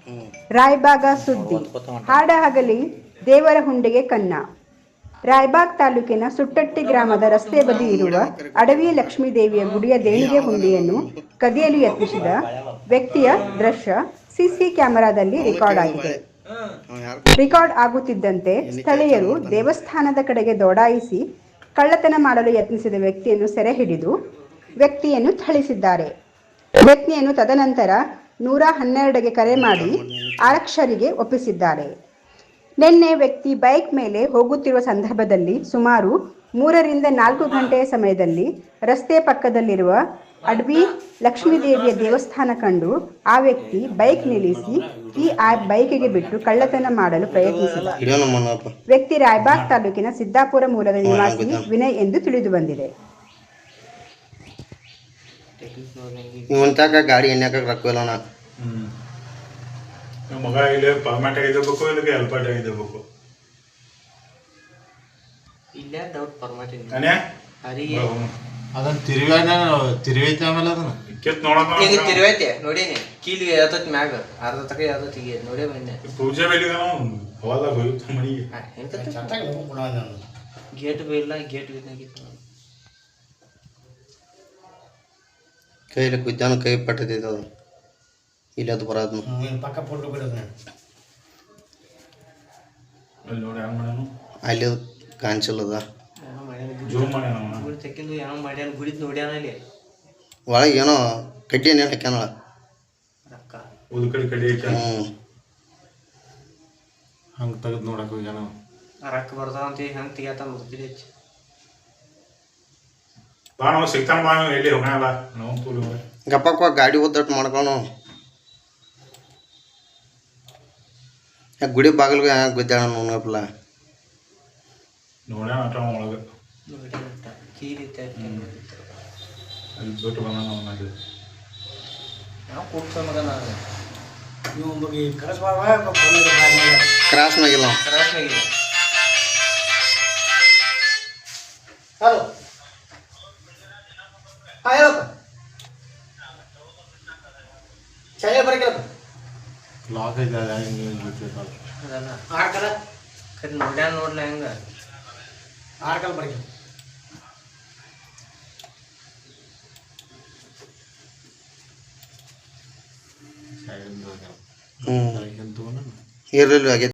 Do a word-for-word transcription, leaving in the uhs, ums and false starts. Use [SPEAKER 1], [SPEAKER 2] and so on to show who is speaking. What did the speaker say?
[SPEAKER 1] ರಾಯಬಾಗ ಸುದ್ದಿ ಹಾಡ ಹಗಲಿ ದೇವರ ಹುಂಡಿಗೆ ಕನ್ನ. ರಾಯಬಾಗ್ ತಾಲೂಕಿನ ಸುಟ್ಟಟ್ಟಿ ಗ್ರಾಮದ ರಸ್ತೆ ಬದಿ ಇರುವ ಅಡವಿ ಲಕ್ಷ್ಮೀದೇವಿಯ ಗುಡಿಯ ದೇಣಿಗೆ ಹುಂಡಿಯನ್ನು ಕದಿಯಲು ಯತ್ನಿಸಿದ ವ್ಯಕ್ತಿಯ ದೃಶ್ಯ ಸಿಸಿ ಕ್ಯಾಮೆರಾದಲ್ಲಿ ರೆಕಾರ್ಡ್ ಆಗಿದೆ. ರೆಕಾರ್ಡ್ ಆಗುತ್ತಿದ್ದಂತೆ ಸ್ಥಳೀಯರು ದೇವಸ್ಥಾನದ ಕಡೆಗೆ ದೌಡಾಯಿಸಿ ಕಳ್ಳತನ ಮಾಡಲು ಯತ್ನಿಸಿದ ವ್ಯಕ್ತಿಯನ್ನು ಸೆರೆ ಹಿಡಿದು ವ್ಯಕ್ತಿಯನ್ನು ಥಳಿಸಿದ್ದಾರೆ. ವ್ಯಕ್ತಿಯನ್ನು ತದನಂತರ ನೂರ ಹನ್ನೆರಡಕ್ಕೆ ಕರೆ ಮಾಡಿ ಆರಕ್ಷರಿಗೆ ಒಪ್ಪಿಸಿದ್ದಾರೆ. ನಿನ್ನೆ ವ್ಯಕ್ತಿ ಬೈಕ್ ಮೇಲೆ ಹೋಗುತ್ತಿರುವ ಸಂದರ್ಭದಲ್ಲಿ ಸುಮಾರು ಮೂರರಿಂದ ನಾಲ್ಕು ಗಂಟೆಯ ಸಮಯದಲ್ಲಿ ರಸ್ತೆ ಪಕ್ಕದಲ್ಲಿರುವ ಅಡವಿ ಲಕ್ಷ್ಮೀದೇವಿಯ ದೇವಸ್ಥಾನ ಕಂಡು ಆ ವ್ಯಕ್ತಿ ಬೈಕ್ ನಿಲ್ಲಿಸಿ ಈ ಬೈಕಿಗೆ ಬಿಟ್ಟು ಕಳ್ಳತನ ಮಾಡಲು ಪ್ರಯತ್ನಿಸಿದ. ವ್ಯಕ್ತಿ ರಾಯಬಾಗ್ ತಾಲೂಕಿನ ಸಿದ್ದಾಪುರ ಮೂಲದ ನಿವಾಸಿ ವಿನಯ್ ಎಂದು ತಿಳಿದು ಬಂದಿದೆ.
[SPEAKER 2] ಗಾಡಿ ಎಣ್ಣೆ ರೊಕ್ಕ
[SPEAKER 3] ಮಗ ಇಲ್ಲಿ ಪರ್ಮನೆಂಟ್ ಆಗಿದ್ದಬೇಕು ಇಲ್ಲಿಗೆ ಹೆಲ್ಪರ್ಟ್ ಆಗಿದ್ದಬೇಕು.
[SPEAKER 4] ಇಲ್ಲೇ ಡೌಟ್ ಪರ್ಮನೆಂಟ್
[SPEAKER 3] ಅನೇ
[SPEAKER 5] ಅದನ್ನ ತಿರುವಾನ ತಿರುವೈತೆ ಆಮೇಲೆ ಅದನ್ನ
[SPEAKER 3] ಕೆತ್ ನೋಡಕ
[SPEAKER 4] ಈಗ ತಿರುವೈತೆ ನೋಡೀನಿ ಕೀಲಿಗೆ ಯಾವತ್ತು ಮ್ಯಾಗ ಅರ್ಧ ತಕ ಯಾವತ್ತು ಈಗ ನೋಡೇ ಬಂದೆ.
[SPEAKER 3] ಪೂಜೆ ಬೇಲಿದ ನಾವು ಅವಾಗ ಹೋಯ್ತು ಮನೆಗೆ
[SPEAKER 4] ಗೇಟ್ ಬೇಯಿಲ್ಲ ಗೇಟ್ ಬಿದ್ದಾಗಿತ್ತು.
[SPEAKER 2] ಕೈಲಿ ಕುದ್ದಾನ ಕೈ ಪಟ್ಟದೈತೆ ಅದು ಇಲ್ಲ ಅದು ಬರೋದು
[SPEAKER 5] ಪಕ್ಕ ಫೋಟೋ ಬಿಡೋದು
[SPEAKER 3] ಅಲ್ಲಿ ನೋಡಿ ಹ್ಯಾಂಗ ಮಾಡ್ಯಾನು
[SPEAKER 2] ಅಲ್ಲಿ ಅದು ಕಾಣಿಸಲ್ಲದ
[SPEAKER 3] ಜೂಮ್ ಮಾಡ್ಯಾನ
[SPEAKER 4] ಗುಡಿ ತೆಕ್ಕಿಂದು ಏನೋ ಮಾಡ್ಯಾನ ಗುಡಿದ್ ನೋಡ್ಯಾನ ಅಲ್ಲಿ
[SPEAKER 2] ಒಳಗೆ ಏನೋ ಕಡ್ಡಿ ಏನೇನು ಹಾಕ್ಯಾನಳ
[SPEAKER 4] ರೊಕ್ಕ
[SPEAKER 3] ಉದ್ ಕಡೆ ಕಡೆ
[SPEAKER 2] ಹ್ಞೂ
[SPEAKER 5] ಹಂಗೆ ತೆಗೆದು ನೋಡಕ್ಕೆ ಹೋಗ್ಯಾನ
[SPEAKER 4] ರೊಕ್ಕ ಬರ್ತಾವ ಅಂತ ಹೆಂಗೆ ತೆಗಿಯತ್ತ ಮುಗ್ದಿರಿ ಹೆಚ್ಚು
[SPEAKER 3] ಬಾ ನಾವು ಸಿಗ್ತಾನ ಬಾ ಎಲ್ಲಿ ಹೋಗಲ್ಲ ನಾವು ತೋಲಿ ಹೋಗ
[SPEAKER 2] ಗಪ್ಪಕ್ಕ ಗಾಡಿ ಒದ್ದಟ್ಟು ಮಾಡ್ಕೊಂಡು ಗುಡಿ ಬಾಗಿಲ್ಗೆ ಗುದ್ದಾಳ ನೋಡಪ್ಲ
[SPEAKER 3] ನೋಡ್ಯಾನ ಆಟ ಒಳಗೆ
[SPEAKER 4] ನೋಡ್ಯಾನ ಕೀಲಿ
[SPEAKER 3] ಅಲ್ಲಿ ಬಿಟ್ಟು ಬಂದ ನಾವು ಮಾಡಿ
[SPEAKER 4] ನಾವು ಕೂಡ್ಸೋ ಮಗ ನಾನು
[SPEAKER 2] ಕ್ರಾಸ್ ಮ್ಯಾಗಿಲ್ಲ
[SPEAKER 4] ಕರಾಶಾಗಿಲ್ಲ.
[SPEAKER 5] ಹಲೋ ಹಾಂ ಹೇಳಪ್ಪ ಚಾಯ ಬರಕಲ್ಲಪ್ಪ ಲಾಕ್ ಐತೆ
[SPEAKER 4] ಅದಲ್ಲ
[SPEAKER 5] ಆಡ್ಕಲ್ಲ
[SPEAKER 4] ಕರೆ ನೋಡ್ಯಾನ ನೋಡ್ಲ ಹೆಂಗ
[SPEAKER 5] ಆಡ್ಕಲ್ಲ ಬರಕಿಲ್ಲ
[SPEAKER 2] ಹ್ಞೂ ಇರಲಿಲ್ಲ